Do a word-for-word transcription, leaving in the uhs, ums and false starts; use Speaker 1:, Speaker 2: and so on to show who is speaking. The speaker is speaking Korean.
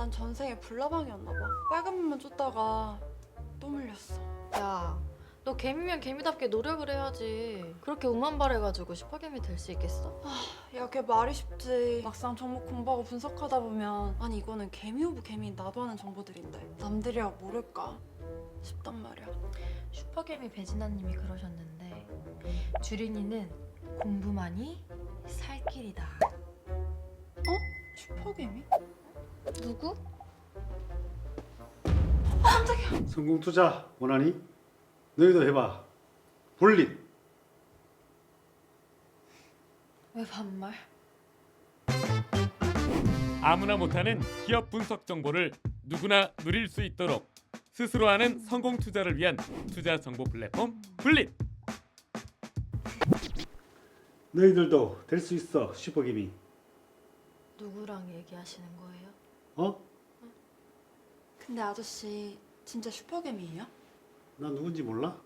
Speaker 1: 난 전생에 불나방이었나 봐. 빨간 물만 쫓다가 또 물렸어.
Speaker 2: 야, 너 개미면 개미답게 노력을 해야지. 그렇게 오만발해가지고 슈퍼개미 될 수 있겠어?
Speaker 1: 야, 걔 말이 쉽지. 막상 종목 공부하고 분석하다 보면 아니 이거는 개미 오브 개미 나도 아는 정보들인데 남들이야 모를까 싶단 말이야.
Speaker 2: 슈퍼개미 배진아님이 그러셨는데 주린이는 공부만이 살 길이다.
Speaker 1: 슈퍼개미?
Speaker 2: 누구?
Speaker 3: 성공 투자 원하니? 너희도 해봐. 불릿.
Speaker 2: 왜 반말?
Speaker 4: 아무나 못하는 기업 분석 정보를 누구나 누릴 수 있도록 스스로 하는 성공 투자를 위한 투자 정보 플랫폼 불릿.
Speaker 3: 너희들도 될 수 있어. 슈퍼개미.
Speaker 2: 누구랑 얘기하시는 거예요?
Speaker 3: 어?
Speaker 1: 근데 아저씨 진짜 슈퍼개미예요?
Speaker 3: 나 누군지 몰라?